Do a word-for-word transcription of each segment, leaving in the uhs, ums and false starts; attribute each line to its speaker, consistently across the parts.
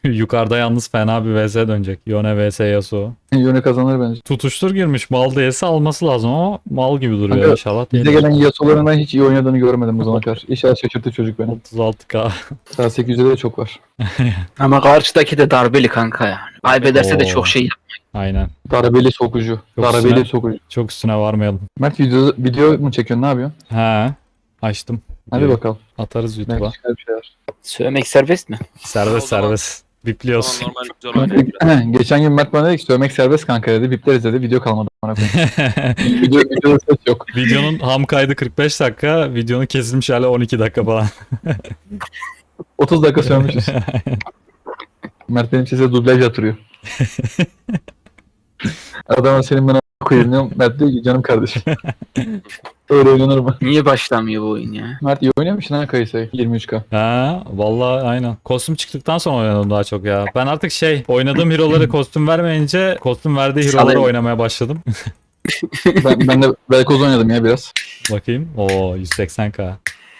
Speaker 1: Yukarıda yalnız fena bir vs dönecek. Yone vs Yasuo.
Speaker 2: Yone kazanır bence.
Speaker 1: Tutuştur girmiş. Mal değilse alması lazım ama mal gibi duruyor.
Speaker 2: Kanka,
Speaker 1: İnşallah
Speaker 2: Bize
Speaker 1: değil.
Speaker 2: gelen Yasuo'larından hiç iyi oynadığını görmedim bu zamana kadar. İnşallah şaşırttı çocuk beni.
Speaker 1: otuz altı K.
Speaker 2: Daha sekiz yüzde de çok var.
Speaker 3: Ama karşıdaki de darbeli kanka yani. Kaybederse de
Speaker 1: Oo.
Speaker 3: çok şey yap.
Speaker 1: Aynen.
Speaker 2: Darabeli sokucu.
Speaker 1: Çok
Speaker 2: Darabeli
Speaker 1: üstüne.
Speaker 2: sokucu.
Speaker 1: Çok üstüne varmayalım.
Speaker 2: Mert video, video mu çekiyorsun, ne yapıyorsun?
Speaker 1: He. Açtım.
Speaker 2: Hadi
Speaker 1: Videoyu
Speaker 2: bakalım.
Speaker 1: Atarız YouTube'a.
Speaker 2: Belki çıkar bir şeyler.
Speaker 3: Söylemek serbest mi?
Speaker 1: Serbest
Speaker 4: O zaman-
Speaker 1: serbest. Bipliyoruz.
Speaker 4: Tamam normal güzel oynuyor.
Speaker 2: Kanka, geçen gün Mert bana dedi ki söylemek serbest kanka dedi. Bipleriz dedi. Video kalmadı. Bana video, videoda ses yok.
Speaker 1: Videonun ham kaydı kırk beş dakika. Videonun kesilmiş hali on iki dakika falan.
Speaker 2: otuz dakika sürmüşüz. Mert benim sese dublaj yatırıyor. Adama senin bana koyayım diyorum. Mert diyor ki canım kardeşim. Öyle oynanır mı?
Speaker 3: Niye başlamıyor bu oyun ya?
Speaker 2: Mert iyi oynamışsın ha Kayısa'yı. yirmi üç K.
Speaker 1: Ha, vallahi aynen. Kostüm çıktıktan sonra oynadım daha çok ya. Ben artık şey oynadığım hero'ları kostüm vermeyince kostüm verdiği hero'ları
Speaker 3: Salayım.
Speaker 1: oynamaya başladım.
Speaker 2: Ben, ben de Velkoz oynadım ya biraz.
Speaker 1: Bakayım. Oo yüz seksen K.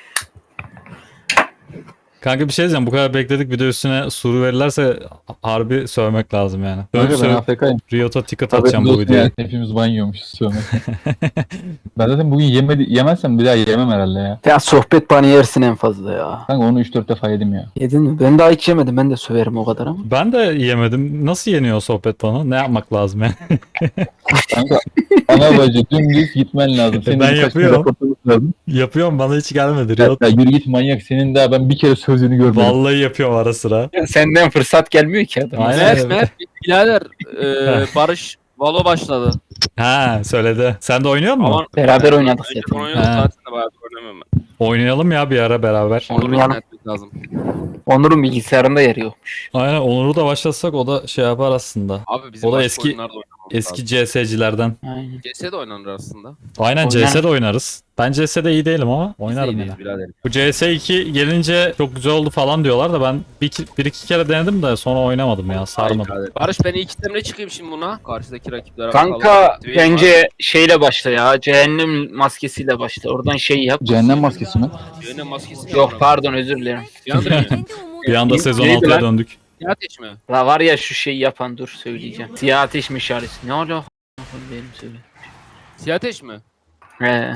Speaker 1: Kanka bir şey diyeceğim. Bu kadar bekledik. Bir de üstüne suru verirlerse harbi sövmek lazım yani. Sövüp
Speaker 2: Kanka ben
Speaker 1: sövüp
Speaker 2: A F K'yim.
Speaker 1: Riot'a ticket
Speaker 2: Tabii
Speaker 1: atacağım bu
Speaker 2: dostum
Speaker 1: videoya.
Speaker 2: yani. Hepimiz ban yiyormuşuz sövmek. Ben zaten bugün yemedi, yemezsem bir daha yemem herhalde ya.
Speaker 3: Ya sohbet bana yersin en fazla ya.
Speaker 2: Kanka onu üç dört defa yedim ya.
Speaker 3: Yedin mi? Ben daha hiç yemedim. Ben de söverim o kadar ama.
Speaker 1: Ben de yemedim. Nasıl yeniyor sohbet bana? Ne yapmak lazım yani?
Speaker 2: Kanka ana bacı dümdüz gitmen lazım. Senin
Speaker 1: Ben
Speaker 2: birkaç
Speaker 1: yapıyorum.
Speaker 2: kere kapatılması lazım.
Speaker 1: Yapıyorum bana hiç gelmedi.
Speaker 2: Ya,
Speaker 1: Riot.
Speaker 2: ya yürü git manyak. Senin daha ben bir kere sözünü görmedim.
Speaker 1: Vallahi yapıyorum ara sıra.
Speaker 3: Senden fırsat gelmiyor ki adam.
Speaker 1: Aynen.
Speaker 4: Mert
Speaker 1: evet.
Speaker 4: Mert birader e, Barış Valo başladı.
Speaker 1: Ha söyledi. Sen de oynuyor musun?
Speaker 4: Ama
Speaker 3: Beraber oynadık
Speaker 4: Önce
Speaker 3: zaten.
Speaker 4: oynadık
Speaker 1: Ha.
Speaker 4: zaten de bayağı oynamıyorum ben.
Speaker 1: Oynayalım ya bir ara beraber.
Speaker 4: Onu bir
Speaker 3: Oynayalım.
Speaker 4: etmek lazım.
Speaker 3: Onur'un bilgisayarında yeri yokmuş.
Speaker 1: Aynen Onur'u da başlatsak o da şey yapar aslında.
Speaker 4: Abi bizim
Speaker 1: O da
Speaker 4: başka
Speaker 1: eski-
Speaker 4: oyunlarda oynamamız
Speaker 1: Eski
Speaker 4: lazım.
Speaker 1: C S'cilerden.
Speaker 3: Aynen.
Speaker 4: C S de oynanır aslında.
Speaker 1: Aynen
Speaker 3: Oynar.
Speaker 1: C S'de oynarız. Ben C S'de iyi değilim ama
Speaker 4: Biz de
Speaker 1: oynarım
Speaker 4: iyiyiz
Speaker 1: yine.
Speaker 4: birader.
Speaker 1: Bu C S iki gelince çok güzel oldu falan diyorlar da ben bir, iki- bir iki kere denedim de sonra oynamadım ya sarmadım.
Speaker 4: Ay birader. Barış ben ilk itemle çıkayım şimdi buna. Karşıdaki rakiplere
Speaker 3: Kanka
Speaker 4: bakalım. Twitch var.
Speaker 3: bence şeyle başla ya. Cehennem maskesiyle başla. Oradan şey yap.
Speaker 2: Cehennem maskesi mi?
Speaker 4: Cehennem maskesi mi
Speaker 3: Yok
Speaker 4: var?
Speaker 3: pardon özür dilerim.
Speaker 4: Yandır mı?
Speaker 1: Bir anda sezon
Speaker 3: Neydi
Speaker 1: altıya
Speaker 3: lan?
Speaker 1: döndük.
Speaker 4: Ya ateş mi?
Speaker 3: La var ya şu şeyi yapan dur söyleyeceğim. Siyah ateş meşalesi. Ne olacak? Benim söyle.
Speaker 4: Siyah ateş mi?
Speaker 3: He.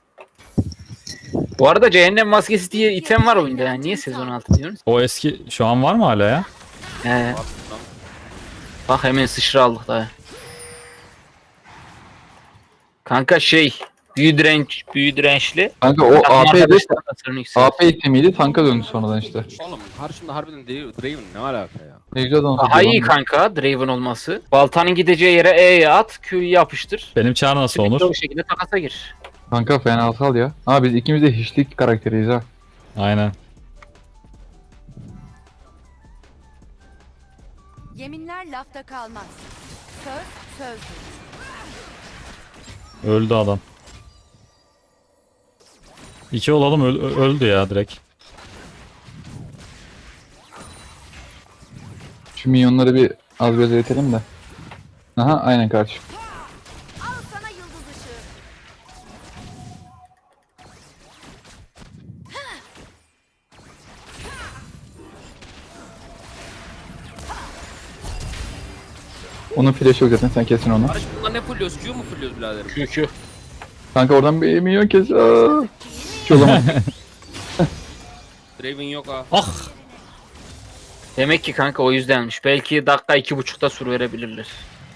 Speaker 3: Bu arada cehennem maskesi diye item var oyunda yani. Niye sezon altı diyorsunuz?
Speaker 1: O eski şu an var mı hala ya?
Speaker 3: He. Bak hemen sıçra aldık daha. Kanka şey. Büyü direnç, büyü dirençli.
Speaker 2: Kanka o
Speaker 3: Takım
Speaker 2: A P'de
Speaker 3: arkadaşlar hasarını yükseltir.
Speaker 2: A P itemiydi tanka döndü sonradan işte.
Speaker 4: Oğlum karşımda harbiden Dra- Draven ne alaka ya?
Speaker 2: Ne güzel dans
Speaker 3: Daha
Speaker 2: ediyor
Speaker 3: iyi
Speaker 2: lan.
Speaker 3: kanka Draven olması. Baltanın gideceği yere E'ye at, Q'yu yapıştır.
Speaker 1: Benim çağ nasıl
Speaker 3: Sürekli
Speaker 1: Onur?
Speaker 3: o şekilde takasa gir.
Speaker 2: Kanka fenasal ya. Ama biz ikimiz de hiçlik karakteriyiz ha.
Speaker 1: Aynen.
Speaker 5: Yeminler lafta kalmaz. Söz sözdür.
Speaker 1: Öldü adam. İki olalım öl- ö- öldü ya direkt.
Speaker 2: Şu minyonları bir az biraz eritelim de. Aha aynen kardeşim.
Speaker 5: Al sana yıldız ışığı.
Speaker 2: Onun flash'ı yok zaten, sen kesin onu.
Speaker 4: Barış bunlar ne fulluyoruz? Q mu fulluyoruz biraderim?
Speaker 3: Q Q.
Speaker 2: Kanka oradan bir minyon kes. Aa. Hiç o zaman.
Speaker 4: Draven yok ha.
Speaker 1: Ah!
Speaker 3: Demek ki kanka o yüzdenmiş. Belki dakika iki buçukta sur verebilirler.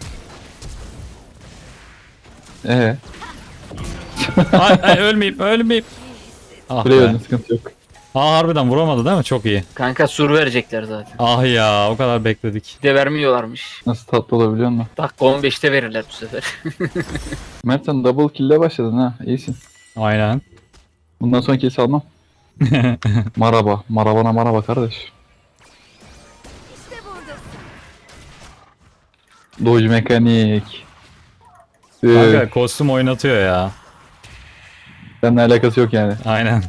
Speaker 2: Ee,
Speaker 1: Ay, ay ölmeyeyim ölmeyeyim. Ah
Speaker 2: buraya
Speaker 1: be.
Speaker 2: öldün, sıkıntı yok.
Speaker 1: Aa harbiden vuramadı değil mi? Çok iyi.
Speaker 3: Kanka sur verecekler zaten.
Speaker 1: Ah ya o kadar bekledik.
Speaker 3: Bir de vermiyorlarmış.
Speaker 2: Nasıl tatlı olabiliyor musun?
Speaker 3: Dakika on beşte verirler bu sefer.
Speaker 2: Mert sen double kill'le başladın ha. İyisin.
Speaker 1: Aynen.
Speaker 2: Bundan sonra kes almam. Maraba. Marabana maraba kardeş.
Speaker 5: İşte buradasın.
Speaker 2: Doge mekanik.
Speaker 1: Kanka
Speaker 2: Ee,
Speaker 1: kostüm oynatıyor ya.
Speaker 2: seninle alakası yok yani.
Speaker 1: Aynen.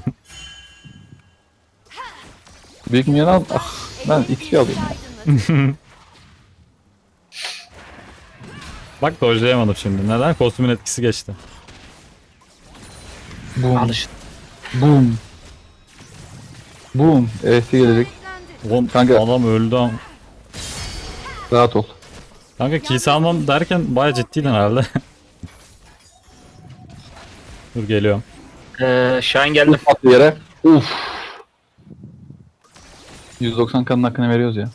Speaker 2: Büyük minyon al. Ah, ben X P alayım ya.
Speaker 5: Aydınlık.
Speaker 1: Bak dojlayamadım şimdi. Neden? Kostümün etkisi geçti.
Speaker 2: Boom.
Speaker 3: Alışın.
Speaker 2: Boom. Boom. Evet gelecek.
Speaker 1: Oğlum
Speaker 2: Kanka.
Speaker 1: adam öldü ama.
Speaker 2: Rahat ol.
Speaker 1: Kanka kill almam derken baya ciddiydin herhalde. Dur geliyorum.
Speaker 3: Ee, Şahin geldim.
Speaker 2: Uf attı yere. Uf. yüz doksan kanın hakkını veriyoruz ya.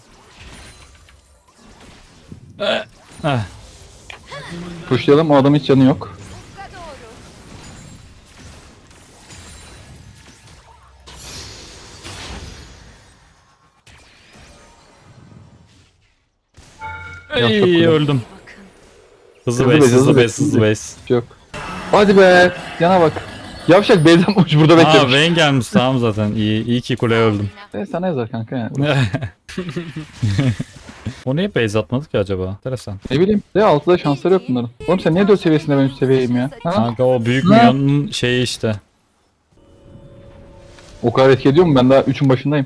Speaker 1: Eh.
Speaker 2: Pushlayalım, o adamın hiç canı yok.
Speaker 5: Ufka doğru.
Speaker 2: Ya, çok
Speaker 1: Ey
Speaker 2: güzel.
Speaker 1: öldüm. Hızlı
Speaker 2: Hızlı
Speaker 1: base,
Speaker 2: base,
Speaker 1: hızlı
Speaker 2: hızlı
Speaker 1: base,
Speaker 2: base,
Speaker 1: hızlı
Speaker 2: hızlı.
Speaker 1: base.
Speaker 2: Hiç yok. Hadi be. Yana bak. Yavşak Beyzem uç burada
Speaker 1: Aa
Speaker 2: beklemiş.
Speaker 1: Vayne gelmiş tamam zaten. İyi, iyi ki kuleye öldüm.
Speaker 2: E, sana yazar kanka yani.
Speaker 1: O niye base atmadı ki acaba? Enteresan.
Speaker 2: Ne bileyim. De altıda şansları yok bunların. Oğlum sen niye dört seviyesinde ben üç seviyeyim ya? Ha?
Speaker 1: Kanka o büyük
Speaker 2: Ne?
Speaker 1: milyonun şeyi işte.
Speaker 2: O kadar etki ediyor mu? Ben daha üçün başındayım.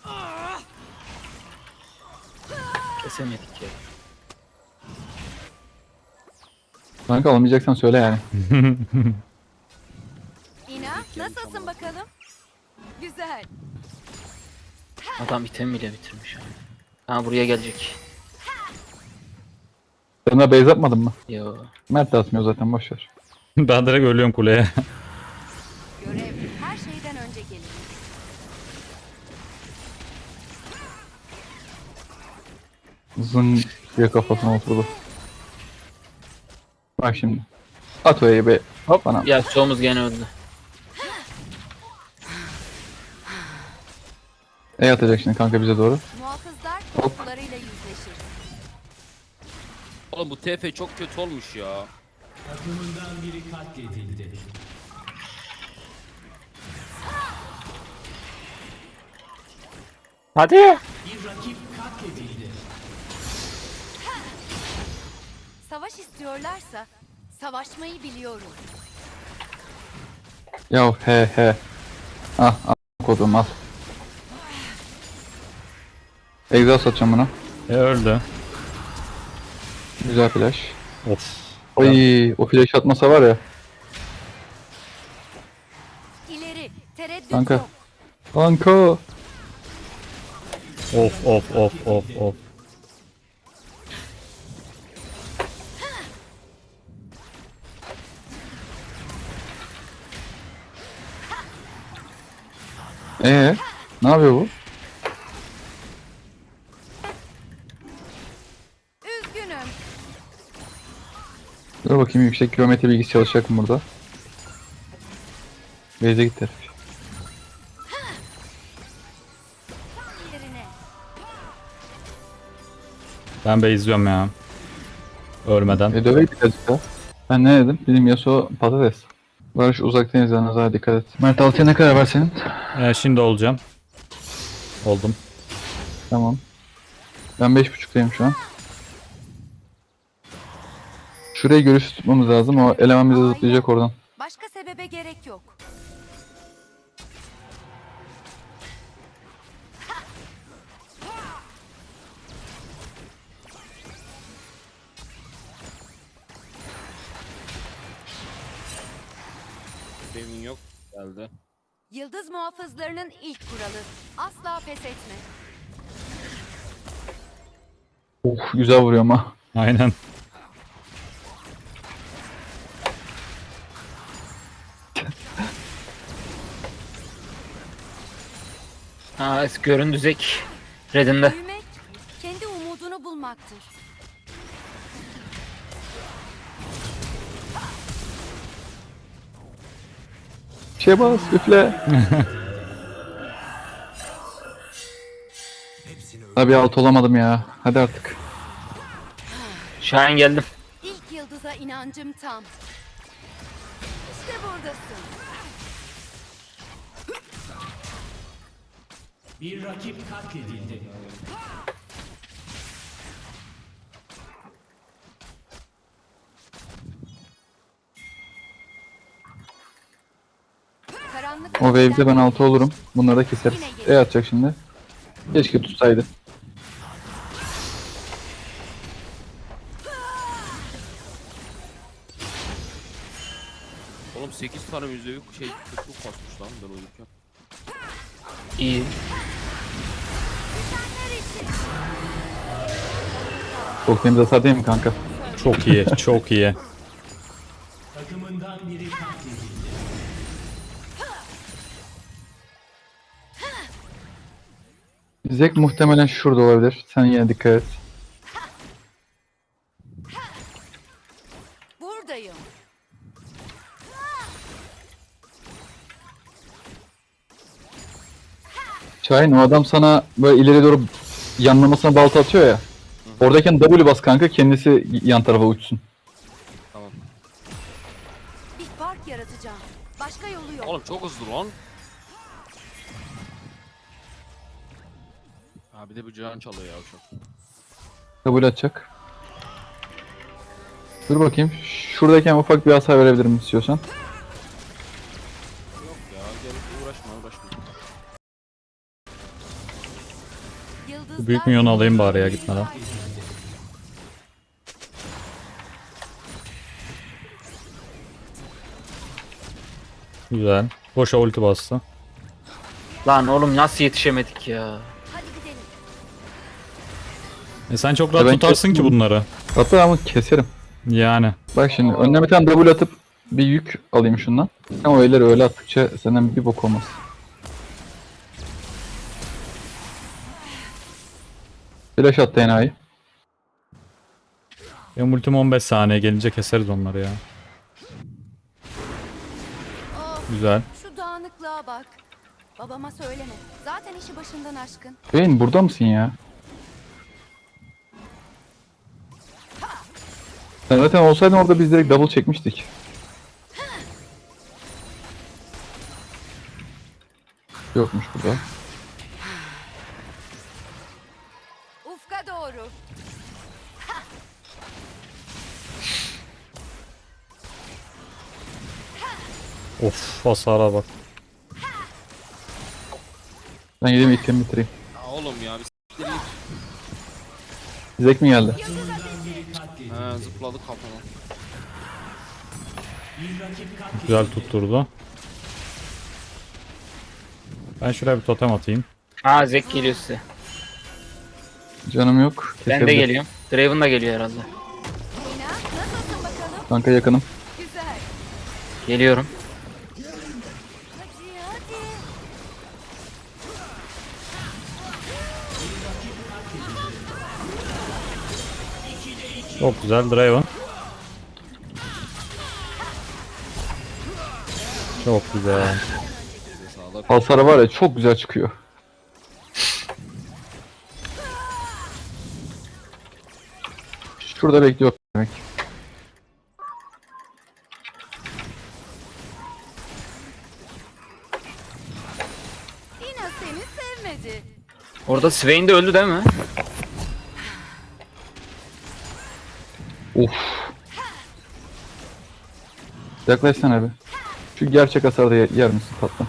Speaker 3: Kesemedik ya.
Speaker 2: Kanka alamayacaksan söyle yani.
Speaker 5: İna nasılsın bakalım? Güzel.
Speaker 3: Adam item bile bitirmiş. Ha buraya gelecek.
Speaker 2: Sen daha base atmadın mı?
Speaker 3: Yo.
Speaker 2: Mert de atmıyor zaten, boşver.
Speaker 1: Ben direkt ölüyorum kuleye.
Speaker 5: Görev her şeyden önce gelir.
Speaker 2: Zın diye kafasına oturdu. Bak şimdi. At o be. Hop bana.
Speaker 3: Ya çoğumuz gene öldü.
Speaker 2: E atacak şimdi kanka bize doğru.
Speaker 5: Muhafızlar
Speaker 2: Hop.
Speaker 5: korkularıyla yüzleşir.
Speaker 4: Oğlum bu T F çok kötü olmuş ya.
Speaker 3: Hadi.
Speaker 5: Savaş istiyorlarsa savaşmayı biliyorum.
Speaker 2: Ya he he. Ah al kodum al. Exhaust atacağım buna.
Speaker 1: E öldü.
Speaker 2: Güzel flash.
Speaker 1: Of.
Speaker 2: Ay o flash atmasa var ya.
Speaker 5: İleri tereddüt
Speaker 2: Kanka.
Speaker 5: yok.
Speaker 2: Kanka.
Speaker 1: Of of of of of.
Speaker 2: Ee, ne yapıyor bu?
Speaker 5: Üzgünüm.
Speaker 2: Dur bakayım, yüksek kilometre bilgisi çalışacak mı burada? Base'e git herif.
Speaker 5: Yerine.
Speaker 1: Ben be izliyorum ya. Ölmeden.
Speaker 2: E döveydik azıcık da. Ben ne dedim? Bizim Yasuo patates. Barış uzaktan izleniyoruz, hadi dikkat et. Mert altıya ne kadar var senin?
Speaker 1: E, şimdi olacağım. Oldum.
Speaker 2: Tamam. Ben beş buçuktayım şu an. Şuraya görüş tutmamız lazım. O eleman bize zıplayacak oradan.
Speaker 5: Başka sebebe gerek yok.
Speaker 4: Benim yok geldi.
Speaker 5: Yıldız muhafızlarının ilk kuralı. Asla pes etme.
Speaker 2: Of güzel vuruyor ama.
Speaker 1: Aynen.
Speaker 3: Ha göründü Zek. Red'inde.
Speaker 5: Büyümek kendi umudunu bulmaktır.
Speaker 2: Şey bas üfle. Tabii alt olamadım ya. Hadi artık.
Speaker 3: Şahin geldim.
Speaker 5: İlk yıldıza inancım tam. İşte buradasın.
Speaker 6: Bir rakip katledildi.
Speaker 5: Karanlık
Speaker 2: O wave'de ben altı olurum. Bunları da keseriz. E atacak şimdi. Keşke tutsaydı.
Speaker 4: Oğlum sekiz tane yüzde bir şey kırklık kasmış lan ben uyurken.
Speaker 3: İyi.
Speaker 5: Düşenler için.
Speaker 2: Çok temiz hasar değil mi kanka?
Speaker 1: Çok iyi, çok iyi.
Speaker 6: Takımından biri katledildi.
Speaker 2: Zek muhtemelen şurada olabilir. Sen yine dikkat et.
Speaker 5: Buradayım.
Speaker 2: Şahin o adam sana böyle ileri doğru yanlamasına balta atıyor ya. Oradayken W bas kanka, kendisi yan tarafa uçsun.
Speaker 5: Bir park yaratacağım. Başka yolu yok.
Speaker 4: Oğlum çok hızlı lan. Ha bir de bu can çalıyor ya çok.
Speaker 2: W atacak. Dur bakayım. Şuradayken ufak bir hasar verebilirim istiyorsan.
Speaker 4: Yok ya gel uğraşma uğraşma.
Speaker 5: Yıldızlar
Speaker 1: Büyük minyonu alayım bari ya gitmeden. Güzel. Boşa ulti bastı.
Speaker 3: Lan oğlum nasıl yetişemedik ya?
Speaker 5: Hadi gidelim.
Speaker 1: E sen çok rahat
Speaker 2: ben
Speaker 1: tutarsın ki
Speaker 2: kestim.
Speaker 1: bunları.
Speaker 2: Hatta ama keserim.
Speaker 1: Yani.
Speaker 2: Bak şimdi önüne bir tane W atıp bir yük alayım şundan. Ama öyle öyle attıkça senden bir bok olmaz. Flash attı enayi.
Speaker 1: Benim ultim on beş saniye gelince keseriz onları ya.
Speaker 5: Oh,
Speaker 1: Güzel.
Speaker 5: şu dağınıklığa bak. Babama söyleme. Zaten işi başından aşkın.
Speaker 2: Beyin burada mısın ya? Sen zaten olsaydın orada biz direkt double çekmiştik. Yokmuş burada.
Speaker 5: Ufka doğru.
Speaker 1: Of hasara bak.
Speaker 2: Ben gideyim itemi bitireyim.
Speaker 4: Ya oğlum ya bir s**tir git.
Speaker 2: Zek mi geldi?
Speaker 4: He zıpladı kafama.
Speaker 6: Bir rakip katledildi.
Speaker 1: Güzel tutturdu. Ben şuraya bir totem atayım.
Speaker 3: Aa Zek geliyor size.
Speaker 2: Canım yok.
Speaker 3: Ben de
Speaker 2: Kesebilirim.
Speaker 3: geliyorum. Draven da geliyor herhalde.
Speaker 5: Lina nasılsın bakalım?
Speaker 2: Kanka yakınım.
Speaker 5: Güzel.
Speaker 3: Geliyorum.
Speaker 5: Hadi hadi.
Speaker 1: Çok güzel Draven. Çok güzel.
Speaker 4: Sağlık.
Speaker 2: Hasarı var ya çok güzel çıkıyor. Şurada bekliyor demek.
Speaker 5: Lina seni sevmedi.
Speaker 3: Orada Swain de öldü değil mi?
Speaker 2: Of. Yaklaşsana bir. Şu gerçek hasarda yer, yer misin tatlım?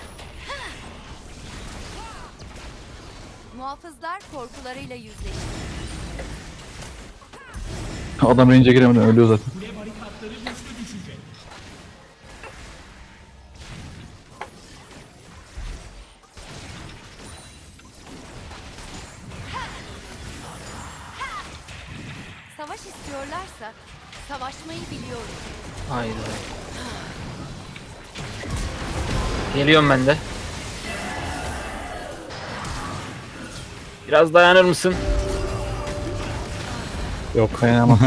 Speaker 5: Muhafızlar korkularıyla yüzleşti.
Speaker 2: Adam range'e giremeden ölüyor zaten.
Speaker 6: Kule barikatları güçlü düşecek.
Speaker 5: Savaş istiyorlarsa savaşmayı biliyorum.
Speaker 3: Haydi. Geliyorum ben de. Biraz dayanır mısın?
Speaker 1: Yok.
Speaker 2: Kaynamaz.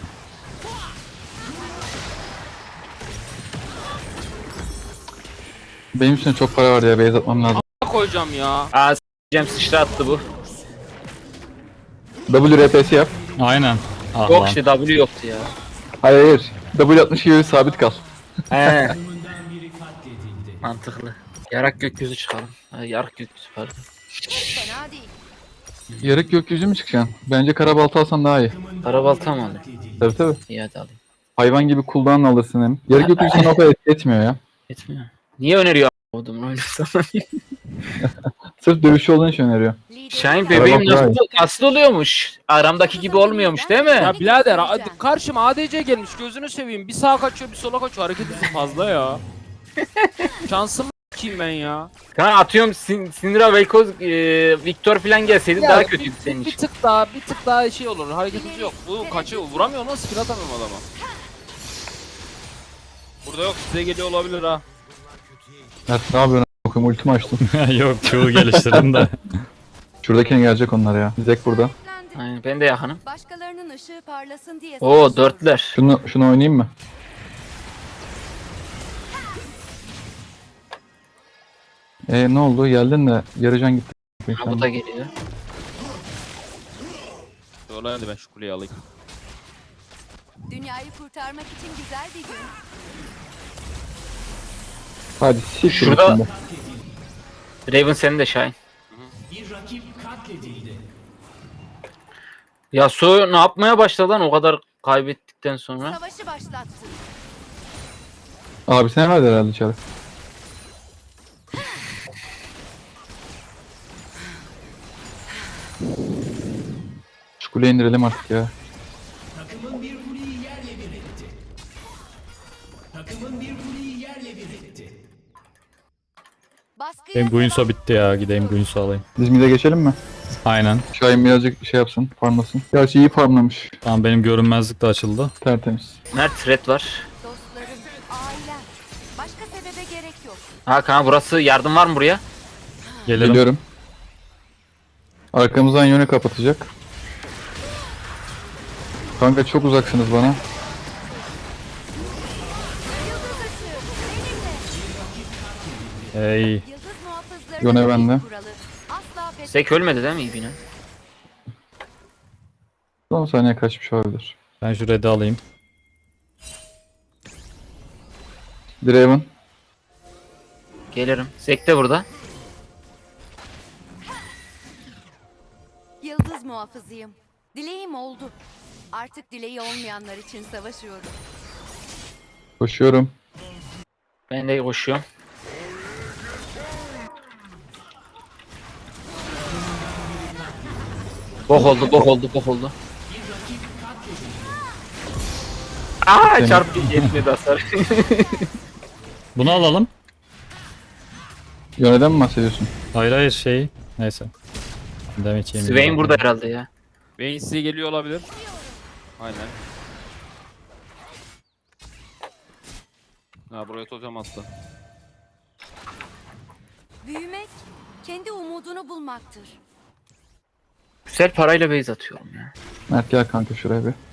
Speaker 2: Benim için çok para var ya, base atmam lazım.
Speaker 4: Koyacağım ya.
Speaker 3: Aa s**eceğim sıçra attı bu.
Speaker 2: W R P'si yap.
Speaker 1: Aynen. Ah
Speaker 3: Yok
Speaker 1: lan.
Speaker 3: işte W yoktu ya.
Speaker 2: Hayır hayır. W altmış gibi sabit kal.
Speaker 3: He
Speaker 6: Takımından biri katledildi.
Speaker 3: mantıklı. Yarak gökyüzü çıkalım. Ha, yarak gökyüzü pardon.
Speaker 5: Fena değil.
Speaker 2: Yarık gökyüzü mü çıkacaksın? Bence kara balta alsan daha iyi.
Speaker 3: Karabalta mı alayım?
Speaker 6: Katledildi.
Speaker 2: Tabii tabii.
Speaker 3: İyi hadi alayım.
Speaker 2: Hayvan gibi cooldown alırsın hem. Yarık gökyüzü sana o kadar etki etmiyor ya.
Speaker 3: Etmiyor. Niye öneriyor a**odumun oyunu sana?
Speaker 2: Sırf dövüşçü olduğun için öneriyor.
Speaker 5: Lideri
Speaker 3: Şahin
Speaker 5: ben-
Speaker 3: bebeğim
Speaker 2: Karabalta
Speaker 3: nasıl, nasıl oluyormuş? Aramdaki gibi olmuyormuş değil mi?
Speaker 4: Ya birader hadi karşıma A D C gelmiş gözünü seveyim. Bir sağa kaçıyor bir sola kaçıyor hareket hızı fazla ya. Şansım sikeyim ben ya.
Speaker 3: Kanka atıyorum Sin Syndra, Vel'Koz, e, Victor falan gelseydi
Speaker 4: Ya,
Speaker 3: daha kötüydü senin
Speaker 4: Bir
Speaker 3: için.
Speaker 4: tık daha bir tık daha şey olur. Hareketimiz yok. Bu kaçıyor. Vuramıyor nasıl skill atamıyorum adama. Burada yok size geliyor olabilir ha.
Speaker 2: Mert ne yapıyorsun? Bakayım ultimi açtım.
Speaker 1: Yok Q'u geliştirdim de.
Speaker 2: Şuradakine gelecek onlar ya. Zek burada.
Speaker 5: Üstlendi.
Speaker 3: Aynen, ben de yakınım.
Speaker 5: Başkalarının ışığı parlasın diye.
Speaker 3: Oo
Speaker 5: savaşıyoruz.
Speaker 3: dörtler.
Speaker 2: Şunu, şunu oynayayım mı? E ne oldu? Geldin de yarıcan gitti.
Speaker 3: Ha, bu da geliyor.
Speaker 4: Şöyle hadi ben şu kuleyi alayım.
Speaker 5: Dünyayı kurtarmak için güzel bir gün.
Speaker 2: Hadi siktir
Speaker 3: Şurada-
Speaker 2: şimdi.
Speaker 3: Raven senin de Şahin.
Speaker 6: Bir rakip katledildi.
Speaker 3: Yasuo ne yapmaya başladı lan o kadar kaybettikten sonra?
Speaker 5: Savaşı başlattı.
Speaker 2: Abi sen verdi herhalde içeri. Şu kuleyi indirelim artık ya.
Speaker 6: Takımın bir kuleyi yerle bir etti. Takımın bir kuleyi yerle bir etti.
Speaker 5: Baskıya
Speaker 1: Benim Guinsoo
Speaker 5: devam.
Speaker 1: bitti ya. Gideyim Guinsoo alayım.
Speaker 2: Biz mid'e geçelim mi?
Speaker 1: Aynen.
Speaker 2: Şahin birazcık şey yapsın, farmlasın. Gerçi iyi farmlamış.
Speaker 1: Tamam benim görünmezlik de açıldı.
Speaker 2: Tertemiz.
Speaker 3: Mert red var.
Speaker 5: Dostlarım, ailem. Başka sebebe gerek yok.
Speaker 3: Ha kanka burası yardım var mı buraya?
Speaker 1: Gelirim.
Speaker 2: Geliyorum. Arkamızdan yönü kapatacak. Kanka çok uzaksınız bana.
Speaker 5: Yıldız ışığı benimle.
Speaker 1: Ey.
Speaker 5: Yıldız muhafızları
Speaker 2: Yone bende.
Speaker 5: kuralı. Asla pes
Speaker 3: Sek ölmedi değil mi İbine?
Speaker 2: Son saniye kaçmış olabilir.
Speaker 1: Ben şu red'i alayım.
Speaker 2: Draven.
Speaker 3: Gelirim. Sek de burada.
Speaker 5: Yıldız muhafızıyım. Dileğim oldu. Artık dileği olmayanlar için savaşıyorum.
Speaker 2: Koşuyorum.
Speaker 3: Ben de koşuyorum. Bok oldu, bok oldu, bok oldu. Aa
Speaker 2: Seni-
Speaker 3: çarptı yetmedi hasar.
Speaker 1: Bunu alalım.
Speaker 2: Yöneden mi bahsediyorsun?
Speaker 1: Hayır hayır şey. Neyse. Demek yiyeyim.
Speaker 3: Swain burada herhalde ya.
Speaker 4: Vayne size geliyor olabilir. Aynen. Ha buraya totem attı.
Speaker 5: Büyümek, kendi umudunu bulmaktır.
Speaker 3: Güzel parayla base atıyorum ya.
Speaker 2: Mert gel kanka şuraya bir.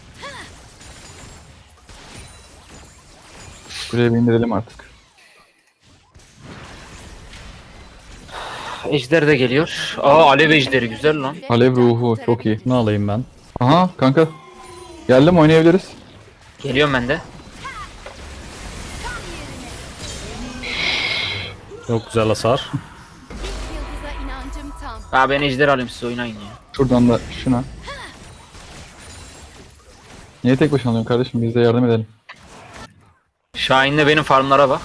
Speaker 2: Buraya bir indirelim artık.
Speaker 3: Ejder de geliyor. Aa alev ejderi güzel lan.
Speaker 2: Alev ruhu çok iyi.
Speaker 1: Bunu alayım ben.
Speaker 2: Aha kanka. Geldim oynayabiliriz.
Speaker 3: Geliyorum ben de.
Speaker 1: Çok güzel hasar.
Speaker 5: Yıldıza inancım tam.
Speaker 3: Aa ben ejder alayım siz oynayın ya.
Speaker 2: Şuradan da şuna. Niye tek başına alıyorsun kardeşim? Biz de yardım edelim.
Speaker 3: Şahin'le benim farmlara bak.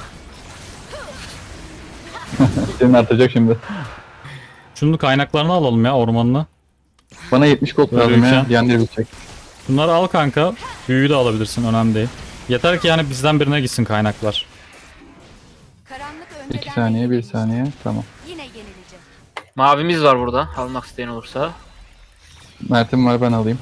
Speaker 2: Senin artacak şimdi.
Speaker 1: Şunun kaynaklarını alalım ya ormanını.
Speaker 2: Bana yetmiş gold
Speaker 1: Böyle
Speaker 2: lazım ya.
Speaker 1: yüklen.
Speaker 2: Diğerleri bitecek.
Speaker 1: Bunları al kanka. Büyüyü de alabilirsin önemli değil. Yeter ki yani bizden birine gitsin kaynaklar.
Speaker 5: Karanlık ölmeden
Speaker 2: iki saniye, bir
Speaker 5: bekleyin.
Speaker 2: saniye. Tamam.
Speaker 5: Yine yenilecek.
Speaker 3: Mavimiz var burada. Almak isteyen olursa.
Speaker 2: Mert'im var ben alayım.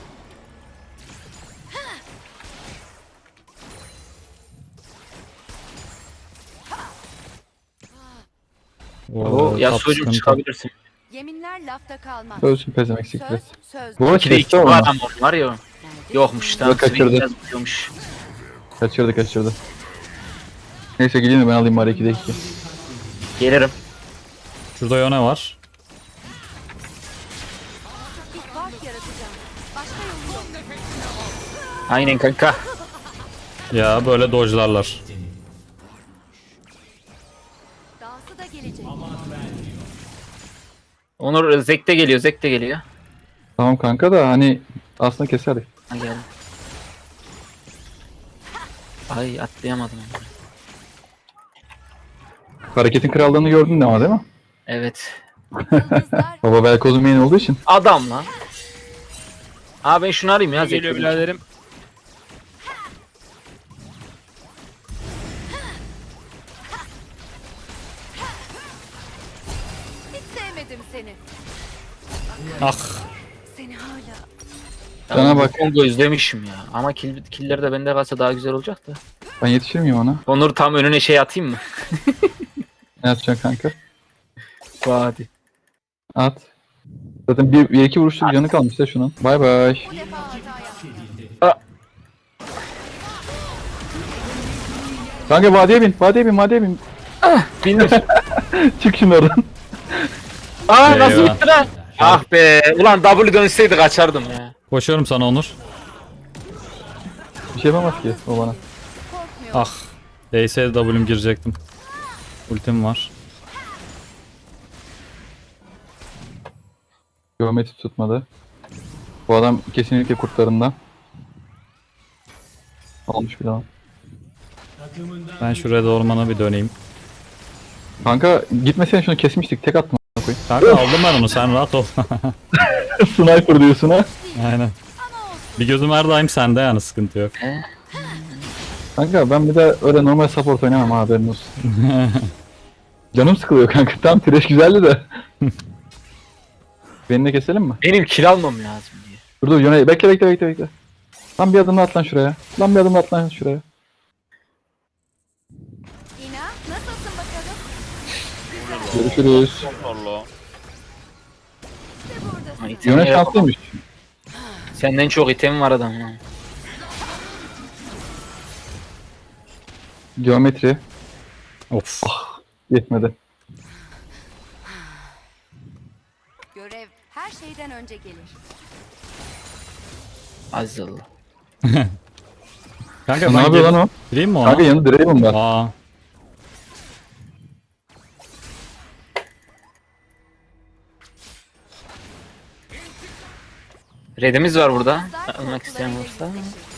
Speaker 3: Oo, ya sucuğum çıkabilirsin.
Speaker 5: Yeminler lafta kalmaz.
Speaker 2: Ölsün pezemek
Speaker 5: Söz,
Speaker 2: siklet.
Speaker 5: söz.
Speaker 2: Bu arada
Speaker 3: İki de iki
Speaker 2: chest'te
Speaker 3: bu
Speaker 2: var mı?
Speaker 3: adam var ya. Yokmuş tamam.
Speaker 2: Yok, kaçırdı.
Speaker 3: Swing biraz vuruyormuş.
Speaker 2: Kaçırdı kaçırdı. Neyse gideyim de ben alayım bari ikide iki.
Speaker 3: Gelirim.
Speaker 1: Şurada Yone var.
Speaker 5: Bir fark yaratacağım. Başka yolu yok.
Speaker 3: Aynen kanka.
Speaker 1: Ya böyle dojlarlar.
Speaker 5: Dahası da gelecek.
Speaker 3: Onur Zek de geliyor. Zek de geliyor.
Speaker 2: Tamam kanka da hani aslında keserdik.
Speaker 3: Ha geldi. Ay atlayamadım.
Speaker 2: Hareketin krallığını gördün de ama değil mi?
Speaker 3: Evet.
Speaker 5: Yıldızlar
Speaker 2: Baba Velkoz'un main olduğu için.
Speaker 3: Adam lan. Aa ben şunu arayayım ya. Zek
Speaker 4: Geliyor
Speaker 3: geliyor.
Speaker 4: biraderim.
Speaker 1: Ah.
Speaker 5: Seni hala
Speaker 3: Ya
Speaker 2: Sana
Speaker 3: bu
Speaker 2: bak.
Speaker 3: Kongo izlemişim ya. Ama kill, killer de bende kalsa daha güzel olacak da.
Speaker 2: Ben yetişir miyim ona?
Speaker 3: Onur tam önüne şey atayım mı?
Speaker 2: Ne yapacaksın kanka?
Speaker 3: Hadi.
Speaker 2: At. Zaten bir, bir iki vuruşluk canı kalmış da şunun. Bay bay.
Speaker 5: bu defa hata yaptım.
Speaker 2: Kanka vadiye bin, vadiye bin, vadiye bin.
Speaker 3: Bindim.
Speaker 2: Çık şimdi oradan.
Speaker 3: Aa nasıl
Speaker 1: Eyvah.
Speaker 3: bitti lan? Ah be. Ulan W dönseydi kaçardım ya.
Speaker 1: Koşuyorum sana Onur.
Speaker 2: Bir şey yapamaz ki o bana.
Speaker 5: Korkmuyorum.
Speaker 1: Ah. Değse W'm girecektim. Ultim var.
Speaker 2: Geometri tutmadı. Bu adam kesinlikle kurtlarından. Almış bir daha.
Speaker 6: Takımından
Speaker 1: Ben şu red ormana bir döneyim.
Speaker 2: Kanka gitmesene şunu kesmiştik. Tek attım a**ına koyayım.
Speaker 1: Kanka aldım ben onu, sen rahat ol.
Speaker 2: Sniper diyorsun ha.
Speaker 1: Aynen. Bir gözüm her daim sende yani, sıkıntı yok.
Speaker 2: Kanka ben bir de öyle normal support oynamam ha, haberin olsun. Canım sıkılıyor kanka. Tam trash güzeldi de. Beni de keselim mi?
Speaker 3: Benim kill almam lazım diye.
Speaker 2: Dur dur Yone bekle bekle bekle bekle. Lan bir adım at lan şuraya. Lan bir adım at lan şuraya.
Speaker 5: İna nasılsın bakalım?
Speaker 2: Görüşürüz.
Speaker 4: Allah.
Speaker 5: İşte buradasın.
Speaker 3: Ha, itemi
Speaker 2: Yone
Speaker 3: yap-
Speaker 2: şanslıymış.
Speaker 3: Senden çok item var adam ya.
Speaker 2: Geometri
Speaker 1: Of.
Speaker 2: yetmedi.
Speaker 5: Görev her şeyden önce gelir.
Speaker 3: Aziz Allah.
Speaker 1: Kanka
Speaker 2: Ne
Speaker 1: ben
Speaker 2: yapıyor
Speaker 1: gel-
Speaker 2: lan o?
Speaker 1: gireyim mi ona?
Speaker 2: Kanka yanında Draven var.
Speaker 1: Aa.
Speaker 3: Redimiz var burada.
Speaker 5: Zar
Speaker 3: Almak isteyen
Speaker 5: korkularıyla
Speaker 3: varsa.
Speaker 5: yüzleşin.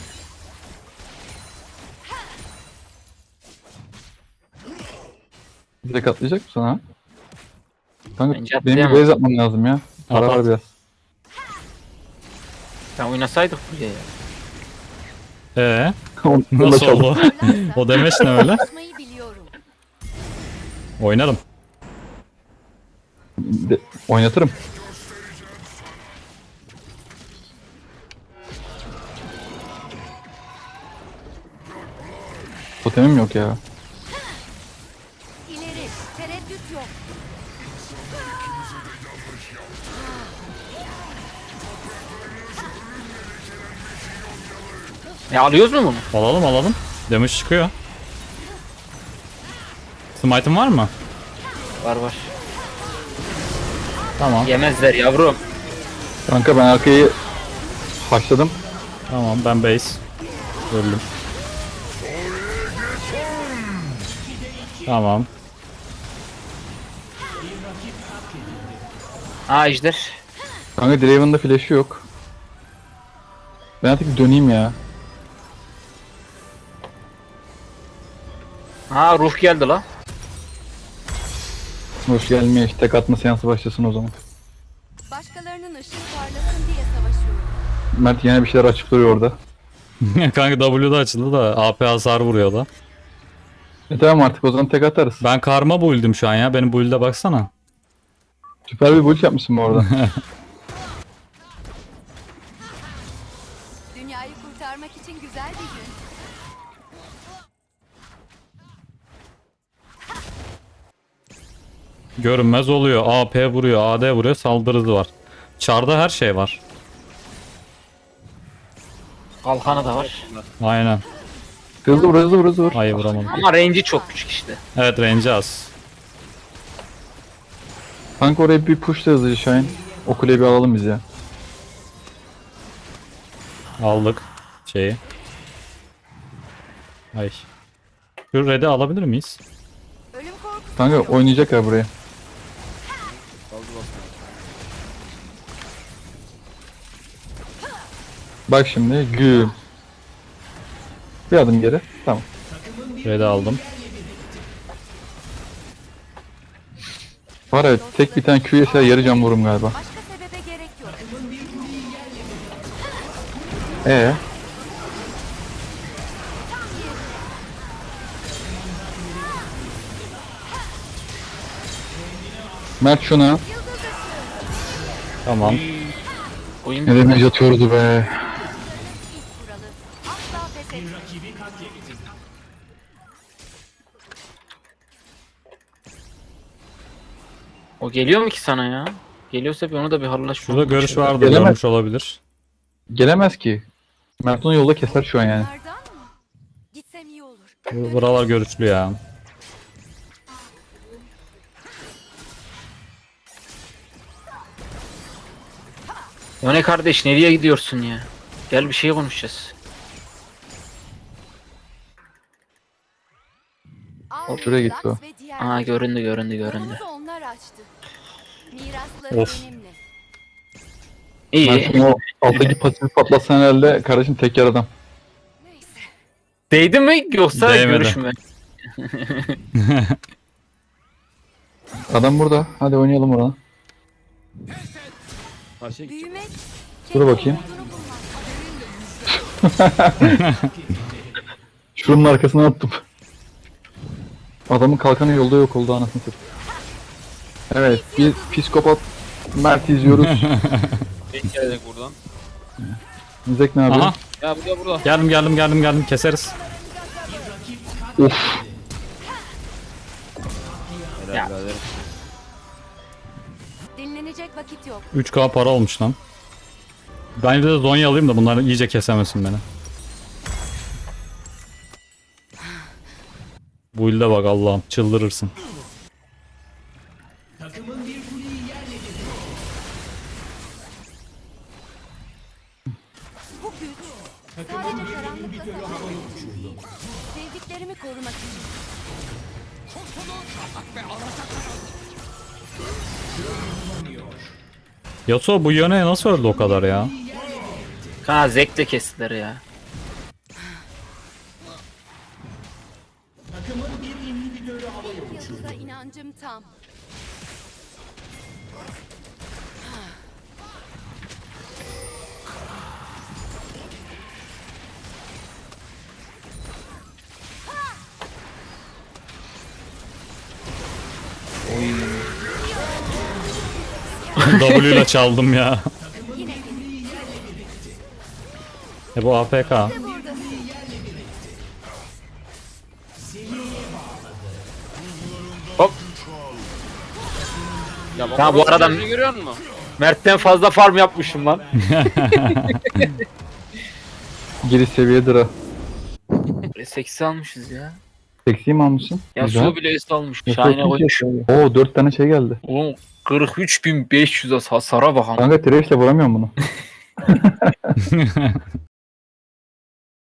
Speaker 2: Direkt atlayacak mısın ha? Kanka
Speaker 3: Bence
Speaker 2: benim bir
Speaker 3: atlayamam.
Speaker 2: base atmam lazım ya. Para
Speaker 1: At,
Speaker 2: var
Speaker 1: at.
Speaker 2: biraz.
Speaker 3: Sen oynasaydık buraya ya.
Speaker 1: Ee,
Speaker 2: Onunla
Speaker 1: nasıl
Speaker 2: çaldım.
Speaker 1: oldu? O demeç ne öyle?
Speaker 5: Konuşmayı biliyorum.
Speaker 1: Oynarım.
Speaker 2: De- oynatırım. Totemim yok ya.
Speaker 5: İleri tereddüt yok.
Speaker 3: E alıyoruz mu bunu?
Speaker 1: Alalım alalım. Damage çıkıyor. Smite'ın var mı?
Speaker 3: Var var.
Speaker 1: Tamam.
Speaker 3: Yemezler yavrum.
Speaker 2: Kanka ben arkayı haşladım.
Speaker 1: Tamam, ben base. Öldüm. Tamam.
Speaker 3: Aa ejder.
Speaker 2: Kanka Draven'da flash'ı yok. Ben artık bir döneyim ya.
Speaker 3: Ha ruh geldi la.
Speaker 2: Hoş gelmiyor. Tek atma seansı başlasın o zaman.
Speaker 5: Başkalarının ışığı parlasın diye savaşıyorum.
Speaker 2: Mert yine bir şeyler açıp duruyor orada.
Speaker 1: Kanka W'da açıldı da A P hasar vuruyor da.
Speaker 2: E tamam artık o zaman tek atarız.
Speaker 1: Ben karma build'im şu an ya. Benim build'e baksana.
Speaker 2: Süper bir build yapmışsın bu arada.
Speaker 5: Dünyayı kurtarmak için güzel bir gün.
Speaker 1: Görünmez oluyor. A P vuruyor, A D vuruyor, saldırı hızı var. Çarda her şey var.
Speaker 3: Kalkanı da var.
Speaker 1: Aynen.
Speaker 2: Hızlı vur hızlı vur hızlı vur.
Speaker 1: Ay vuramadım.
Speaker 3: Ama range'i çok küçük işte.
Speaker 1: Evet, range az.
Speaker 2: Kanka oraya bir push da hızlıca Şahin. O kuleyi bir alalım biz ya.
Speaker 1: Aldık şeyi. Ay. Şu red'i alabilir miyiz?
Speaker 5: Ölüm korkusu
Speaker 2: Kanka
Speaker 5: yok.
Speaker 2: oynayacak ya buraya. Bak şimdi güm. Bir adım geri. Tamam.
Speaker 1: Red'i aldım.
Speaker 2: Var ya tek bir tane Q yese yarı can vurum galiba.
Speaker 5: Başka sebebe gerek yok.
Speaker 2: Ee. Mert şuna.
Speaker 1: Tamam.
Speaker 3: Oyun
Speaker 2: Ne demek yatıyordu be.
Speaker 5: İlk kuralı asla pes etme.
Speaker 6: rakibi katledildi.
Speaker 3: O geliyor mu ki sana ya? Geliyorsa bir onu da bir hallaş.
Speaker 1: Şurada görüş vardı.
Speaker 2: Gelemez.
Speaker 1: Görmüş olabilir.
Speaker 2: Gelemez ki. Mert onu yolda keser şu an yani.
Speaker 5: Bunlardan mı? Gitsem iyi olur.
Speaker 1: Bu- Buralar görüşlü ya.
Speaker 3: O ne kardeş, nereye gidiyorsun ya? Gel bir şey konuşacağız.
Speaker 5: Al,
Speaker 2: şuraya gitti
Speaker 5: Lux
Speaker 2: o.
Speaker 5: ve diğer-
Speaker 3: Aa, göründü göründü göründü.
Speaker 5: Yolumuzu onlar açtı. Mirasları
Speaker 1: Of.
Speaker 5: benimle.
Speaker 3: İyi.
Speaker 2: Mert'in o alttaki pasifi patlatsan herhalde kardeşim tek yer adam.
Speaker 5: Neyse.
Speaker 3: Değdi mi yoksa
Speaker 1: Değmedi.
Speaker 3: görüş mü?
Speaker 2: Adam burada. Hadi oynayalım orada.
Speaker 4: Karşıya gidecek.
Speaker 5: Büyümek.
Speaker 2: Dur
Speaker 5: kendi
Speaker 2: bakayım.
Speaker 5: umudunu bulmak.
Speaker 2: Şunun arkasına attım. Adamın kalkanı yolda yok oldu anasını satayım. Evet, bir psikopat Mert izliyoruz.
Speaker 4: Tek gelecek buradan.
Speaker 2: Zek ne yapıyor?
Speaker 1: Aha.
Speaker 4: Ya burada burada.
Speaker 1: Geldim geldim geldim geldim. Keseriz.
Speaker 2: Of.
Speaker 4: Helal
Speaker 3: Ya.
Speaker 4: birader.
Speaker 5: Dinlenecek vakit yok.
Speaker 1: üç K para olmuş lan. Ben bir de Zonya alayım da bunlar iyice kesemesin beni. Bu ilde bak Allah'ım çıldırırsın.
Speaker 6: Takımın bir kuleyi yerle bir etti.
Speaker 5: Bu güç sadece karanlıkla savaşmak için değil. Sevdiklerimi korumak için.
Speaker 1: Yasuo bu yöne nasıl öldü o kadar ya?
Speaker 3: Ha, zevkle kestiler ya.
Speaker 6: Takımın bir inhibitörü havaya uçurdu.
Speaker 5: Yıldıza inancım tam.
Speaker 1: W ile çaldım ya.
Speaker 5: Yine gelin.
Speaker 1: E bu A F K.
Speaker 5: Burada.
Speaker 3: Hop.
Speaker 4: Ya bak
Speaker 3: Ha, bu
Speaker 4: orası
Speaker 3: arada-
Speaker 4: gözünü görüyor musun?
Speaker 3: Mert'ten fazla farm yapmışım lan.
Speaker 2: Geri seviyedir ha.
Speaker 3: Böyle seksi almışız ya.
Speaker 2: Seksi mi almışsın?
Speaker 3: Ya
Speaker 2: Güzel.
Speaker 3: su bile üstü almış.
Speaker 2: Yasuo
Speaker 3: Şahane
Speaker 2: kim
Speaker 3: koymuş.
Speaker 2: kesiyor? Oo dört tane şey geldi.
Speaker 3: Oğlum kırk üç bin beş yüz hasara bakalım.
Speaker 2: Kanka Thresh'le vuramıyorum bunu.